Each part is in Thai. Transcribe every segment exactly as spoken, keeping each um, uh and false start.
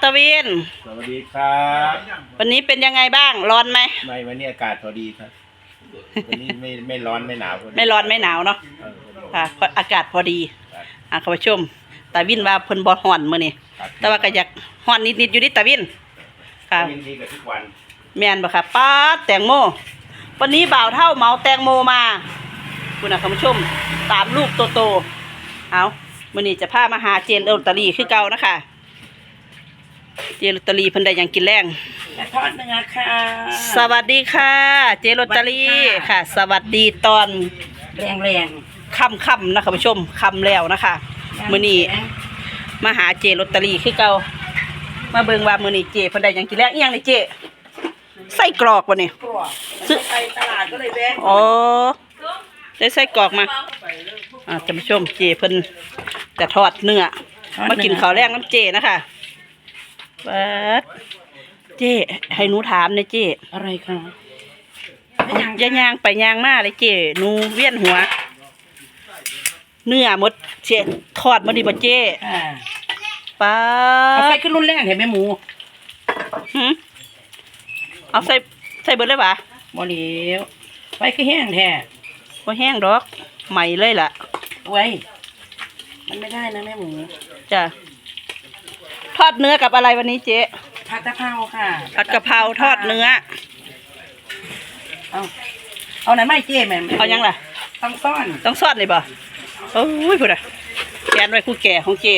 ตวินสวัสดีครับวันนี้เป็นยังไงบ้างร้อนไหมไม่วันนี้อากาศพอดีครับวันนี้ไม่ไม่ร้อนไม่หนาวไม่ร้อนไม่หนาวเนาะค่ะอากาศพอดีอ่ะคุณผู้ชมตาวินว่าเพิ่นบ่ฮ้อนมื้อนี้แต่ว่าก็อยากฮ้อนนิดๆอยู่ดิตาวินค่ะวินดีกับทุกวันแม่นบ่ค่ะป้าแตงโมวันนี้บ่าวเท่าเมาแตงโมมาคุณน่ะคุณผู้ชมตามลูกโตๆเอามื้อนี้จะพามาหาเจนลอตเตอรี่คือเก่านะคะเจลอตเตอรี่เพิ่นได้ยังกินแรงทอดเนื้อค่ะสวัสดีค่ะเจลอตเตอรี่ค่ะสวัสดีตอนแรงแรงค่ำค่ำนะคะผู้ชมค่ำแล้วนะคะมื้อนี้มาหาเจลอตเตอรี่คือเก่ามาเบิ่งว่ามื้อนี้เจเพิ่นได้ยังกินแรงอีหยังนี่เจไส้กรอกบ่นี่ซื้อไปตลาดก็เลยแวะอ๋อได้ไส้กรอกมาอ่าท่านผู้ชมเจเพิ่นจะทอดเนื้อมากินข้าวแรงน้ำเจนะคะเปิดเจ๊ให้หนูถามเลยเจ๊อะไรคะย่างย่างไปย่างมาเลยเจ๊หนูเวียนหัวเนื้อหมดเจ๊ทอดมาดีบ่เจ๊ป้าเอาไปขึ้นรุ่นแรกเห็นไหมหมูหืมเอาใส่ใส่เบิดเลยปะบ่เหลียวไปคือแห้งแท้บ่แห้งดอกใหม่เลยล่ะไว้มันไม่ได้นะแม่หมูจ้ะทอดเนื้อกับอะไรวันนี้เจ๊ผัดกะเพราค่ะผัดกะเพราทอดเนื้อเอาเอาไหนไม่เจ๊แม่เอายังล่ะต้องซ่อนต้องซ่อนเลยป่ะโอ้ยพูดอะแกนไว้คู่แก่ของเจ๊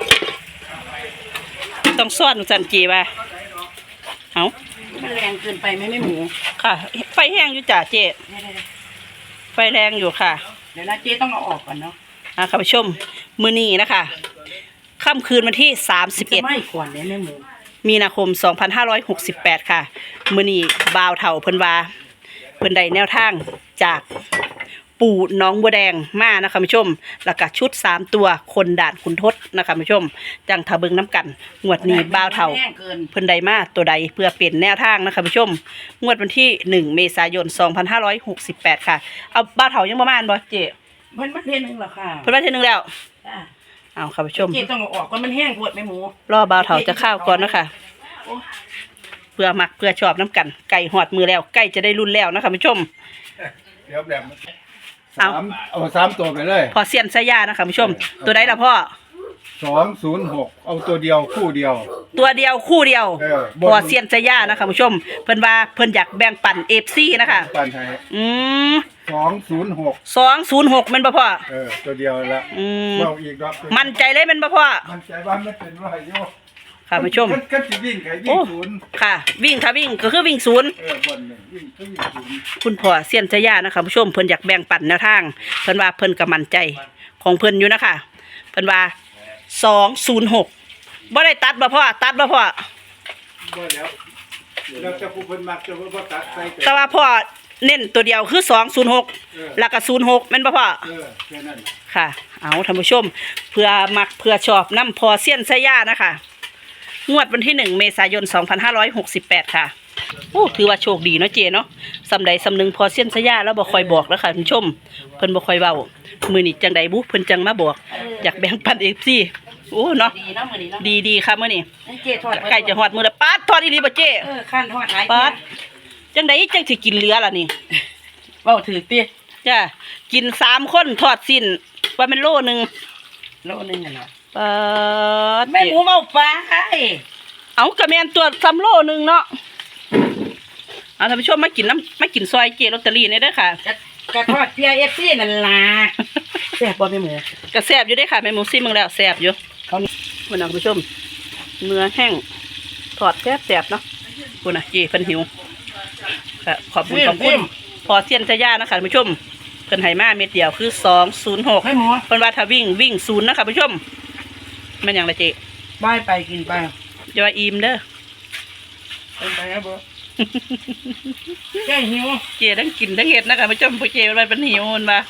ต้องซ่อนสันเจ๊ป่ะเอามันแรงเกินไปไหมไม่หมูค่ะไฟแห้งอยู่จ้ะเจ๊ไฟแรงอยู่ค่ะเดี๋ยวนะเจ๊ต้องเอาออกก่อนเนาะอ่ะค่ะผู้ชมมื้อนี้นะคะค่ำคืนวันที่สามสิบเอ็ดไม่ก่อนเนี่ยแม่หมูมีนาคมสองพันห้าร้อยหกสิบแปดค่ะมื้อนี้บ่าวเฒ่าเพิ่นว่าเพิ่นได้แนวทางจากปู่น้องบัวแดงมานะคะผู้ชมแล้วก็ชุดสามตัวคนด่านขุนทดนะคะผู้ชมจังทะเบิงน้ำกันงวดนี้บ่าวเฒ่าเพิ่นได้มาตัวใดเพื่อเปลี่ยนแนวทางนะคะผู้ชมงวดวันที่หนึ่งเมษายนสองพันห้าร้อยหกสิบแปดค่ะเอาบ่าวเฒ่ายังประมาณบ่เจ๊เพิ่นมาเทนึงแล้วค่ะเพิ่นมาเทนึงแล้วเอาค่ะผู้ชมเจ๊ต้องเอาออกก่อนมันแห้งปวดแม่หมูรอบ่าวเฒ่าจะข้าวก่อนนะคะเพื่อมักเพื่อชอบน้ำกันไก่หอดมือแล้วไก่จะได้รุ่นแล้วนะคะผู้ชมเดี๋ยวแบบสามเอาสามตัวไปเลยพอเสียนสยานะคะผู้ชมตัวใดล่ะพ่อสองศูนย์หกเอาตัวเดียวคู่เดียวตัวเดียวคู่เดียวพอเสียนสยานะคะผู้ชมเพิ่นว่าเพิ่นอยากแบ่งปันเอฟซีนะคะปันไทยอืมสองศูนย์หกสองศูนย์หกมันบ่พ่อเออตัวเดียวละอืมเราอีกรอบมั่นใจเลยมันบ่พ่อมั่นใจว่าไม่เป็นไรโยค่ะผู้ชมก็จะวิ่งไงวิ่งศูนย์ค่ะวิ่งค่ะวิ่งก็คือวิ่งศูนย์เออบนหนึ่งวิ่งก็วิ่งศูนย์คุณพ่อเสียนสยานะคะผู้ชมเพิ่นอยากแบ่งปันแนวทางเพิ่นว่าเพิ่นก็มั่นใจของเพิ่นอยู่นะคะเพิ่นว่าสองศูนย์หกบ่ได้ตัดบ่พ่อตัดบ่พ่อบ่แล้วเราจะพูดเพิ่นมักจะบ่ตัดใส่แต่ว่าพ่อเน้นตัวเดียวคือสองศูนย์หกแล้วก็ศูนย์หกแม่นบ่พ่อเออแค่นั้นค่ะเอาท่านผู้ชมเพื่อมักเพื่อชอบนำพอเสี้ยนสยานะคะงวดวันที่หนึ่งเมษายนสองพันห้าร้อยหกสิบแปดค่ะโอ้ถือว่าโชคดีเนาะเจเนาะสำใดสำนึงพอเสี้ยนสยาแล้วบ่ค่อยบอกแล้วค่ะท่านผู้ชมเพิ่นบ่ค่อยเว้ามื้อนี้จังใดบุเพิ่นจังมาบอกอยากแบ่งปัน เอฟ ซี โอ้เนาะดีดีค่ะมื้อนี้ใกล้จะฮอดมื้อแล้วป๊าดทอดอีหลีบ่เจเออคั่นทอดหลายป๊าดจังใดจังสิกินเหลือล่ะนี่เว้าถือติจ้ะกินสามคนทอดสิ้นว่ามันโลนึงโลนึงน่ะป๊าดแม่หมูเว้าไปเอากระแมนตัวซ้ำโลนึงเนาะเอาท่านผู้ชมมากินน้ำมากินซอยเจลอตเตอรี่นี่เด้อค่ะกระทอดเพียเอฟซีนั่นล่ะแซ่บบ่แม่หมูกระแซ่บอยู่ได้ค่ะแม่หมูซิมึงแล้วแซ่บอยู่เขาคุณผู้ชมเนื้อแห้งทอดแซ่บแซ่บเนาะคุณน่ะเจเพิ่นหิวค่ะขอบคุณขอบคุณพอเสียนสยานะคะผู้ชมเพิ่นให้มาเม็ดเดียวคือสองศูนย์หกเพิ่นว่าถ้าวิ่งวิ่งศูนย์นะคะผู้ชมมันอย่างไรเจบายไปกินไปจะว่าอิ่มเด้อเป็นไปครับบ่แก่หิวเจทั้งกินทั้งเห็ดนะคะผู้ชมผู้เจอะไรเป็นหิวมันมา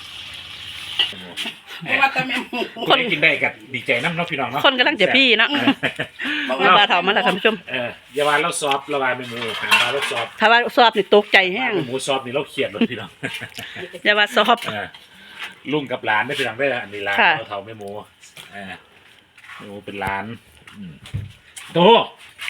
คนกินได้กับดีใจน้ำน้องพี่น้องเนาะคนกำลังจะพี่เนาะมาบาเถามาแล้วค่ะผู้ชมเอออย่าว่าเราซอฟเราว่าเป็นหมูหางเราซอฟถ้าว่าซอฟนี่ตกใจแห้งหมูซอฟนี่เราเขียดเลยพี่น้องอย่าว่าซอฟลุงกับหลานได้พี่น้องได้อันนี้ร้านเราเถาไม่หมูอ่าหมูเป็นร้านโต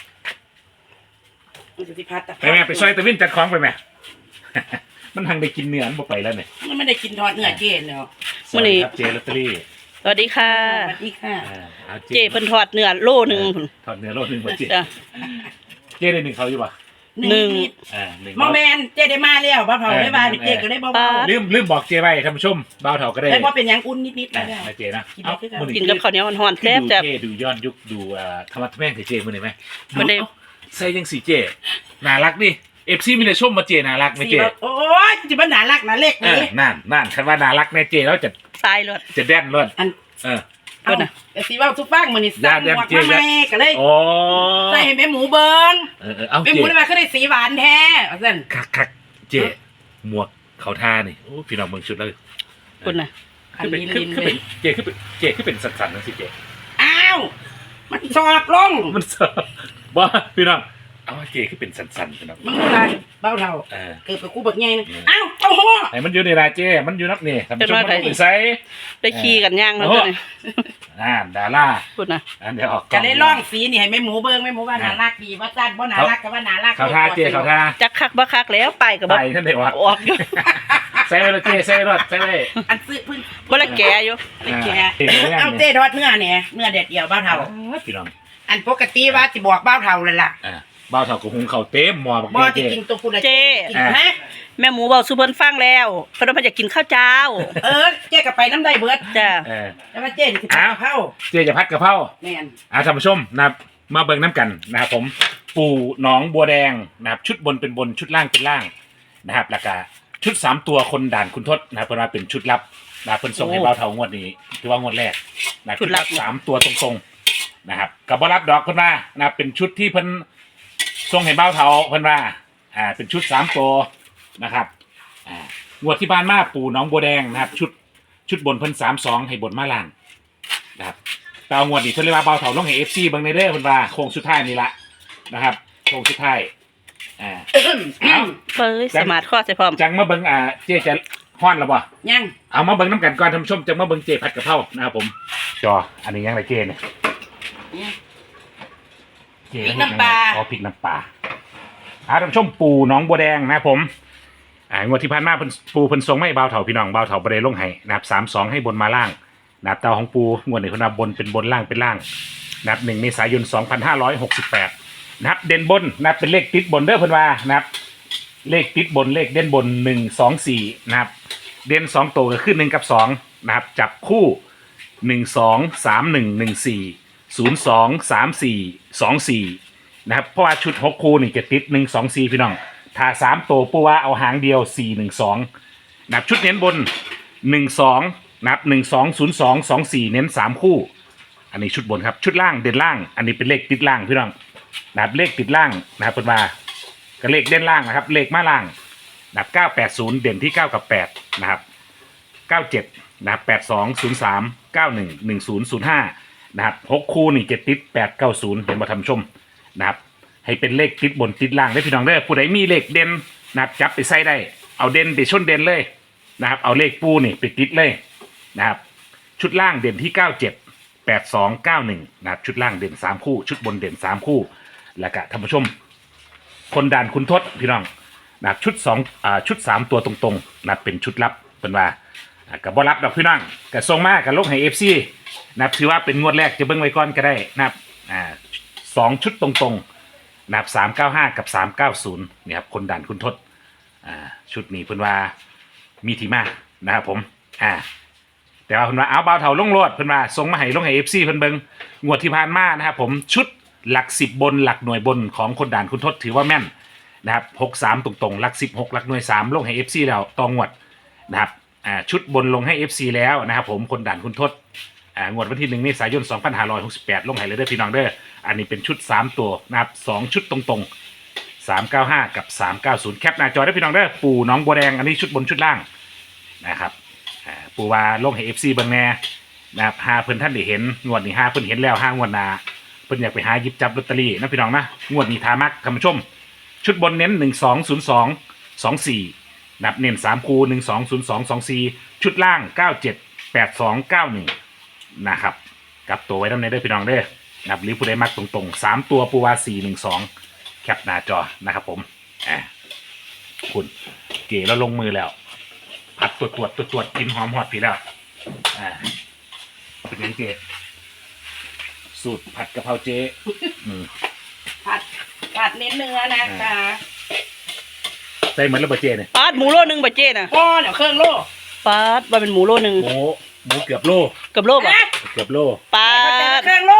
มันจะสิพัดตะไปแม่ไปซอยตะวินจัดของไปแม่ มันทางได้กินเนื้อมันบ่ไปแล้วเนี่ยมันไม่ได้กินทอดเนื้อเจนเนาะสวัสดีครับเจลอตเตอรี่สวัสดีค่ะสวัสดีค่ะอ่าอาเจเพิ่นทอดเนื้อโลหนึงพุ่นทอดเนื้อโลหนึ่งบ่เจจ้ะเจได้หนึ่งเขาอยู่ป่ะหนึ่งนิดอ่าหนึ่งๆหมอแมนเจได้มาแล้วบ่เผาได้บาดเจก็ได้บ่เบาลืมลืมบอกเจไว้ท่านผู้ชมบ่าวเฒ่าก็ได้ได้บ่เป็นหยังอุ่นนิดๆอ่าแล้วนะเจนะกินได้คือกันมื้อกินกับข้าวเหนียวห่อนๆคือแซ่บดูจ้ะเจดูย้อนยุคดูอ่าธรรมะแม่งกับเจมื้อนี้ไหมมื้อนี้เอ้าใส่จังสีเจน่ารักดิ เอฟซีมีแต่ชมมาเจน่ารักไหมสีเจแบบโอ้ยจิบ่น่ารักน่าเล็กเอเลอย นั่นนั่นคันว่าน่ารักแน่เจแล้วจะทรายรสจะแด่นรถอันเออเพิ่นน่ะแต่สิเว้าทุกฟังมื้อนี้สั่งหมวกมาใหม่ก็เลยโอ้ใส่ให้แม่หมูเบิ่งเออเออเอาแม่หเจมูได้มาคือได้สีหวานแท้ว่าซั่นคักคักเจหมวกเขาท่านี่โอ้พี่น้องเมืองชุดเลยพุ่นน่ะอันคือเป็นนี้คือลิ้นคือเลเป็นยเจคือเป็นเจคือเป็นสันสันๆนั่นสิเจอ้าวมันชอบลงมันเสบบ่พี่น้องเอาเจคือเป็นสันสันๆพี่น้องมึงเวลาเบ้าเท่าเออเกิดไปกูบักใหญ่นึงอ้าวเต้าหู้ไอ้มันอยู่ในรายเจมันอยู่นับนี่ทำชมมันไปใส่ได้ขี่กันย่างแล้วจ้ะนี่อ่าดาราพุ่นน่ะอันเดี๋ยวออกก็เลยล่องสีนี่ให้แม่หมูเบิ่งแม่หมูว่าน่ารักดีว่าซั่นบ่น่ารักก็ว่าน่ารักเขาท่าเจเขาท่าจักคักบ่คักแล้วไปก็ไปบ่ท่านเดี๋ยวออกออกอยู่ใส่ไว้รถเจใส่ไว้รถใส่ไว้อันซื้อเพิ่นบ่ละแก่อยู่ไปแกะเอาเต้ทอดเนื้อเนี่ยเนื้อเด็ดเดียวเบ้าเท่าพี่น้องอันปกติว่าสิบอกเบ้าเท่าเลยล่ะอ่าบ้าวเถากับหุงเขาวเต็มหมอบักบ่เจสิกินตัวคุณเจ๊กินฮะแม่หมูเว้าสู่เพิ่นฟังแล้วเพิ่นว่าเพิ่นจะกินข้าวเจ้าเออเจ๊ก็ไปน้ำได้เบิดจ้ะเออแต่ว่าเจ๊นี่สิผัดกะเพราเจจะพัดกะเพราแม่นอ่าท่านผู้ชมนะครับมาเบิ่งน้ำกันนะครับผมปู่หนองบัวแดงนะครับชุดบนเป็นบนชุดล่างเป็นล่างนะครับแล้วก็ชุดสามตัวคนด่านคุณทศนะครับเพิ่นว่าเป็นชุดลับนะครับเพิ่นส่งให้บ้าวเถางวดนี้ถือว่างวดแรกนะชุดลับสามตัวตรงๆนะครับกับบ่รับดอกเพิ่นว่านะครับเป็นชุดที่เพิ่นส่งให้บ้าวเถาเพิ่นว่าอ่าเป็นชุดสามตัวนะครับอ่างวดที่ผ่านมาปู่หนองบัวแดงนะครับชุดชุดบนเพิ่นสามสองให้บนมาล่างนะครับ แต่เอางวดนี้เพิ่นเรียกว่าเบาเถาลงให้ เอฟ ซี เบิ่งในเด้อเพิ่นว่าโค้งสุดท้ายนี่ละนะครับโค้งสุดท้ายอ่าเอาเปิ้ยสมาร์ทคอร์สใส่พร้อมจังมาเบิ่งอ่าเจ๊จะฮ้อนแล้วบ่ยังเอามาเบิ่งน้ำกันก่อนท่านผู้ชมจังมาเบิ่งเจ๊ผัดกะเพรานะครับผมจออันนี้ยังไรเจ๊เนี่ยเจ๊พริกน้ำปลาอ๋อพริกน้ำปลาอ่าท่านผู้ชมปูหนองบัวแดงนะครับผมอ่างวดที่ผ่านมาเพิ่นปูเพิ่นส่งมาให้เบาเถาพี่น้องเบาเถาบ่ได้ลงให้นะครับสามสองให้บนมาล่างนะครับเตาของปูงวดนี้เพิ่นว่าบนเป็นบนล่างเป็นล่าง นะครับหนึ่งเมษายนสองพันห้าร้อยหกสิบแปดนะครับเด่นบนนะครับเป็นเลขติดบนเด้อเพิ่นว่านะครับเลขติดบนเลขเด่นบนหนึ่งสองสี่นะครับเด่นสองตัวก็คือหนึ่งกับสองนะครับจับคู่หนึ่งสองสามหนึ่งหนึ่งสี่ศูนย์สองสามสี่สองสี่นะครับเพราะว่าชุดหกคู่นี่จะติดหนึ่งสองสี่พี่น้องถ้าสามตัวปูว่าเอาหางเดียวสี่หนึ่งสองนะครับชุดเน้นบนหนึ่งสองนะครับหนึ่งสองศูนย์สองสองสี่เน้นสามคู่ อันนี้ชุดบนครับชุดล่างเด่นล่าง อันนี้เป็นเลขติดล่างพี่น้องนะครับเลขติดล่างนะครับเป็นว่าก็เลขเด่นล่างนะครับเลขมาล่างนะครับเก้าแปดศูนย์เด่นที่เก้ากับแปดนะครับเก้าเจ็ดนะครับแปดสองศูนย์สามเก้าหนึ่งหนึ่งศูนย์ศูนย์ห้านะครับหกคู่นี่เจ็ดติดแปดเก้าศูนย์เห็นมาทำชมนะครับให้เป็นเลขติดบนติดล่างได้พี่น้องเด้อผู้ใดมีเลขเด่นนะครับจับไปใส่ได้เอาเด่นไปชนเด่นเลยนะครับเอาเลขปูนี่ไปติดเลยนะครับชุดล่างเด่นที่เก้าเจ็ดแปดสองเก้าหนึ่งนะครับชุดล่างเด่นสามคู่ชุดบนเด่นสามคู่แล้วก็ท่านผู้ชมคนด่านคุณทศพี่น้องนะครับชุดสองอ่าชุดสามตัวตรงๆนะครับเป็นชุดลับเป็นว่าอ่ากับบอรับดอกพี่น้องกับทรงมากกับลกให้เอฟซีนะครับถือว่าเป็นงวดแรกจะเบิ้งไว้ก่อนก็ได้นะครับอ่าสองชุดตรงๆนะครับสามเก้าห้ากับสามเก้าศูนย์เนี่ยครับคนด่านคุณทศอ่าชุดนี้เพิ่นว่ามีที่มานะครับผมอ่า แต่ว่าเพิ่นว่าเอาเบาเถาลงโลดเพิ่นว่าส่งมาให้ลงให้ เอฟ ซี เพิ่นเบิ่งงวดที่ผ่านมานะครับผมชุดหลักสิบบนหลักหน่วยบนของคนด่านคุณทศถือว่าแม่นนะครับหกสามตรงๆหลักสิบหกหลักหน่วยสามลงให้ เอฟ ซี แล้วต่องวดนะครับอ่าชุดบนลงให้ เอฟ ซี แล้วนะครับผมคนด่านคุณทศอ่างวดวันที่หนึ่งเมษายนสองพันห้าร้อยหกสิบแปดลงให้เลยเด้อพี่น้องเด้ออันนี้เป็นชุดสามตัวนะครับสองชุดตรงๆสามเก้าห้ากับสามเก้าศูนย์แคปหน้าจอได้พี่น้องเด้อปู่หนองบัวแดงอันนี้ชุดบนชุดล่างนะครับ ปูว่าลงให้ เอฟ ซี เบิ่งแน่นะครับหาเพิ่นท่านได้เห็นงวดนี้หาเพิ่นเห็นแล้วห้างวดหน้าเพิ่นอยากไปหาหยิบจับลอตเตอรี่นะพี่น้องนะงวดนี้ทามักท่านผู้ชมชุดบนเน้นหนึ่งสองศูนย์สองสองสี่นับเน้นสามคูหนึ่งสองศูนย์สองสองสี่ชุดล่างเก้าเจ็ดแปดสองเก้าหนึ่งนะครับกลับตัวไว้ด้านในเด้อพี่น้องเด้อนับหรือผู้ใดมักตรงๆสามตัวปูว่าสี่หนึ่งสองแคแคปหน้าจอนะครับผมอ่าคุณเก๋แล้วลงมือแล้วผัดตรวจตรวจตรวจตรวจกินหอมหอดผีแล้วอ่าเป็นยังเก๋สูตรผัดกะเพราเจ๊อืมผัดผัดเน้นเนื้อนะคะใส่เหมือนระเบิดเจ๊เนี่ยปาดหมูโลนึงบ่เจ้น่ะพ่อเดี๋ยวเครื่องโลปาดว่าเป็นหมูโลนึงหมูหมูเกือบโลเกับโลบ่นะเกือบโลปาดเครื่องโล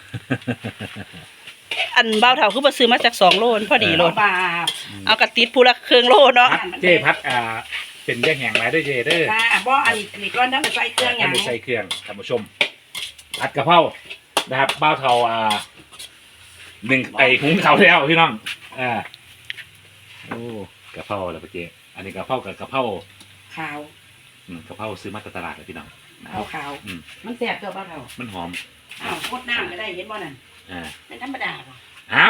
อันเบาเท่าคือบ่ซื้อมาจากสองโลนพอดีโลบาปเอากระติดผู้ละเครื่องโลเนาะพัดเจ๊พัดอ่าเป็นแย่งแหงไรด้วยเจ๊เด้อจ้าบ่อันนี้นี่ก้อนทั้งใส่เครื่องอย่างทำเป็นใส่เครื่องท่านผู้ชมผัดกะเพรานะครับบ้าวเทาอ่าหนึ่งไอหุงเขาวแล้วพี่น้องอ่าโอ้กะเพราแล้วปะเจ๊อันนี้กะเพรากับกะเพราขาวอืมกะเพราซื้อมาจากตลาดเลยพี่น้องนะคขารัวบขาวอืมมันแซ่บตัวเปล่าเท่ามันหอมอ้าวโคตรน้ำก็ได้เห็นบ่นั่นอ่าเป็นธรรมดาป่ะอ้าว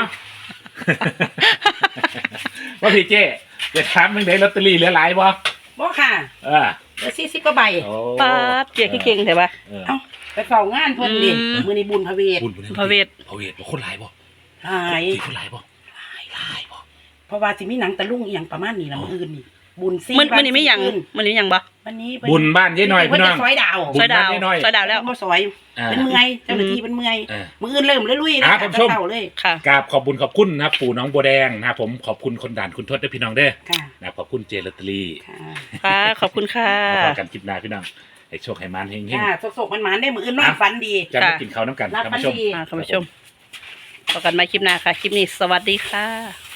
ว่าพี่เจ๊จะถามมึงได้ลอตเตอรี่เหลือหลายบ่บ่ค่ะเออเหลือสี่สิบกว่าใบโอ้ปาดเจ๊คือเก่งแต่ว่าเออเอ้าไปเฝ้างานเพิ่นดิอืมมื้อนี้บุญพระเวทบุญบุญพระเวทพระเวทบ่คนหลายบ่หลายที่คนหลายบ่หลายหลายบ่เพราะว่าสิมีหนังตะลุงอีหยังประมาณนี้ล่ะมื้ออื่นนี่บุญซี่มันมันนี่ไม่หยังคืนมันนี่หยังบ่วันนี้บุญบ้านเย้หน่อยพี่น้องเพิ่จะซอยดาวบุญซอยดาวบ้านน้อยๆซอยดาวแล้วบ่ซอยอ่าเป็นเมื่อยเจ้าหน้าที่เป็นเมื่อยเออมื้ออื่นเริ่มเลยลุยอ่านะท่านผู้ชมเช้าเลยค่ะกราบขอบบุญขอบคุณนะครับปู่น้องบัวแดงนะครับผมขอบคุณคนด่านคุณทศด้วยพี่น้องเด้อค่ะนะครับขอบคุณเจลอตเตอรี่ค่ะค่ะขอบคุณค่ะเอาพอกันคลิปหน้าพี่น้องให้โชคให้มันเฮงค่ะสกๆมันๆได้มื้ออื่นนอนฝันดีๆจะมากินข้าวน้ำกันรับท่านฝันผู้ชมดีอ่าคุณผู้ชมพบกันใหม่คลิปหน้าค่ะ คลิปนี้สวัสดีค่ะ